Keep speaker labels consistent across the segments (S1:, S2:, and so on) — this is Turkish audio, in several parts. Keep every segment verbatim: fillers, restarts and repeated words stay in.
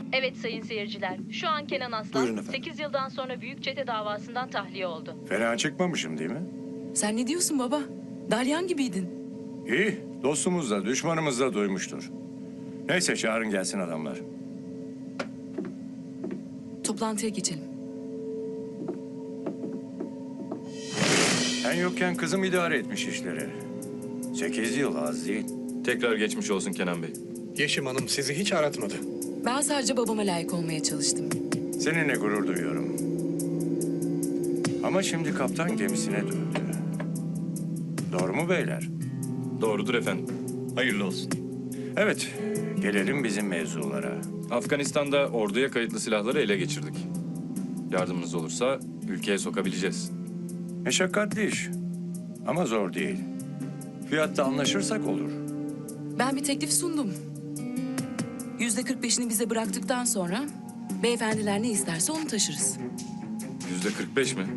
S1: Evet sayın seyirciler. Şu an Kenan Aslan
S2: Buyurun efendim.
S1: sekiz yıldan sonra büyük çete davasından tahliye oldu.
S2: Fena çıkmamışım değil mi?
S3: Sen ne diyorsun baba? Dalyan gibiydin.
S2: İyi, dostumuz da düşmanımız da duymuştur. Neyse çağırın gelsin adamlar.
S3: Toplantıya geçelim.
S2: Ben yokken kızım idare etmiş işleri. Sekiz yıl az değil.
S4: Tekrar geçmiş olsun Kenan Bey.
S5: Yeşim Hanım sizi hiç aratmadı.
S3: Ben sadece babama layık olmaya çalıştım.
S2: Seninle gurur duyuyorum. Ama şimdi kaptan gemisine döndü. Doğru mu beyler?
S4: Doğrudur efendim.
S6: Hayırlı olsun.
S2: Evet, gelelim bizim mevzulara.
S4: Afganistan'da orduya kayıtlı silahları ele geçirdik. Yardımınız olursa ülkeye sokabileceğiz.
S2: Meşakkatli iş ama zor değil. Fiyatta anlaşırsak olur.
S3: Ben bir teklif sundum. Yüzde kırk beşini bize bıraktıktan sonra beyefendiler ne isterse onu taşırız.
S4: Yüzde kırk beş mi?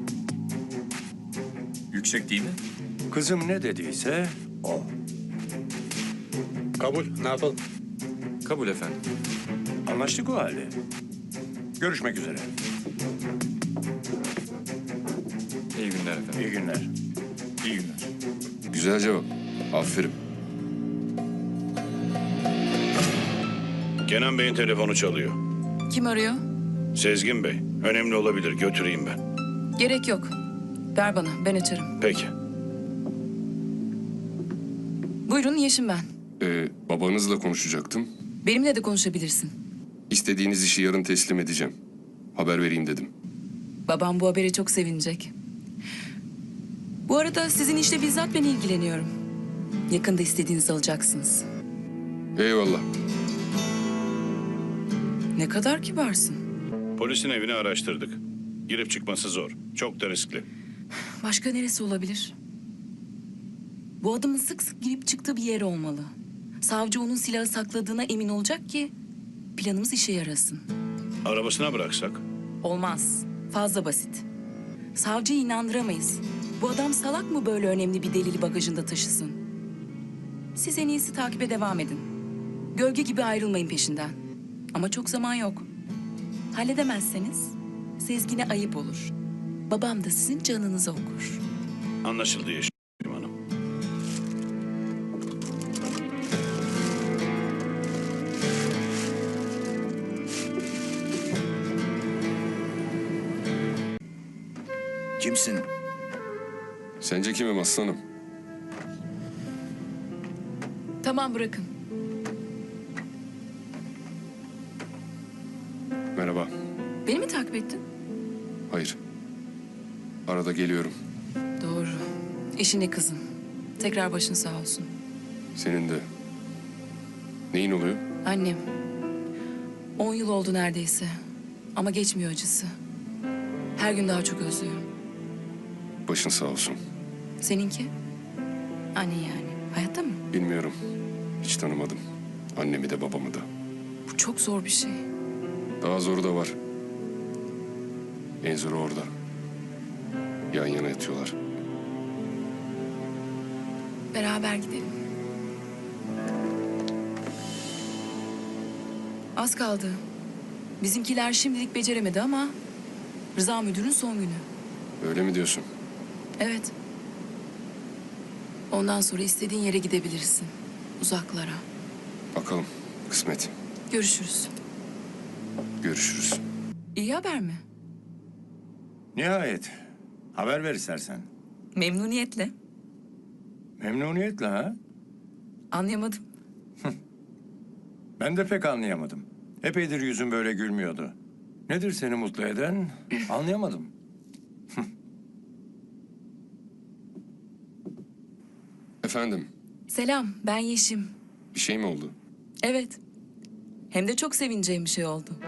S6: Yüksek değil mi?
S2: Kızım ne dediyse o.
S5: Kabul, ne yapalım?
S4: Kabul efendim.
S2: Anlaştık o halde. Görüşmek üzere.
S4: İyi günler efendim.
S2: İyi günler.
S6: İyi günler.
S7: Güzel cevap. Aferin.
S8: Kenan Bey'in telefonu çalıyor.
S3: Kim arıyor?
S8: Sezgin Bey, önemli olabilir. Götüreyim ben.
S3: Gerek yok. Ver bana, ben açarım.
S8: Peki.
S3: Buyurun, Yeşim ben.
S7: Ee, babanızla konuşacaktım.
S3: Benimle de konuşabilirsin.
S7: İstediğiniz işi yarın teslim edeceğim. Haber vereyim dedim.
S3: Babam bu habere çok sevinecek. Bu arada sizin işle bizzat ben ilgileniyorum. Yakında istediğinizi alacaksınız.
S7: Eyvallah.
S3: Ne kadar kibarsın.
S8: Polisin evini araştırdık. Girip çıkması zor. Çok da riskli.
S3: Başka neresi olabilir? Bu adamın sık sık girip çıktığı bir yer olmalı. Savcı onun silahı sakladığına emin olacak ki planımız işe yarasın.
S8: Arabasına bıraksak?
S3: Olmaz. Fazla basit. Savcıyı inandıramayız. Bu adam salak mı böyle önemli bir delili bagajında taşısın? Siz en iyisi takibe devam edin. Gölge gibi ayrılmayın peşinden. Ama çok zaman yok. Halledemezseniz Sezgin'e ayıp olur. Babam da sizin canınızı okur.
S8: Anlaşıldı Yeşim Hanım.
S6: Kimsin?
S7: Sence kimim aslanım?
S3: Tamam, bırakın.
S7: Merhaba.
S3: Beni mi takip ettin?
S7: Hayır. Arada geliyorum.
S3: Doğru. Eşine kızın. Tekrar başın sağ olsun.
S7: Senin de. Neyin oluyor?
S3: Annem. On yıl oldu neredeyse. Ama geçmiyor acısı. Her gün daha çok özlüyorum.
S7: Başın sağ olsun.
S3: Seninki? Anne yani. Hayatta mı?
S7: Bilmiyorum. Hiç tanımadım. Annemi de babamı da.
S3: Bu çok zor bir şey.
S7: Daha zoru da var. En zoru orada. Yan yana yatıyorlar.
S3: Beraber gidelim. Az kaldı. Bizimkiler şimdilik beceremedi ama Rıza müdürün son günü.
S7: Öyle mi diyorsun?
S3: Evet. Ondan sonra istediğin yere gidebilirsin. Uzaklara.
S7: Bakalım. Kısmet.
S3: Görüşürüz.
S7: Görüşürüz.
S3: İyi haber mi?
S2: Nihayet. Haber ver istersen.
S3: Memnuniyetle.
S2: Memnuniyetle ha?
S3: Anlayamadım.
S2: Ben de pek anlayamadım. Epeydir yüzün böyle gülmüyordu. Nedir seni mutlu eden? Anlayamadım.
S7: Efendim,
S3: Selam, ben Yeşim.
S7: bir şey mi oldu?
S3: Evet. Hem de çok sevineceğim bir şey oldu.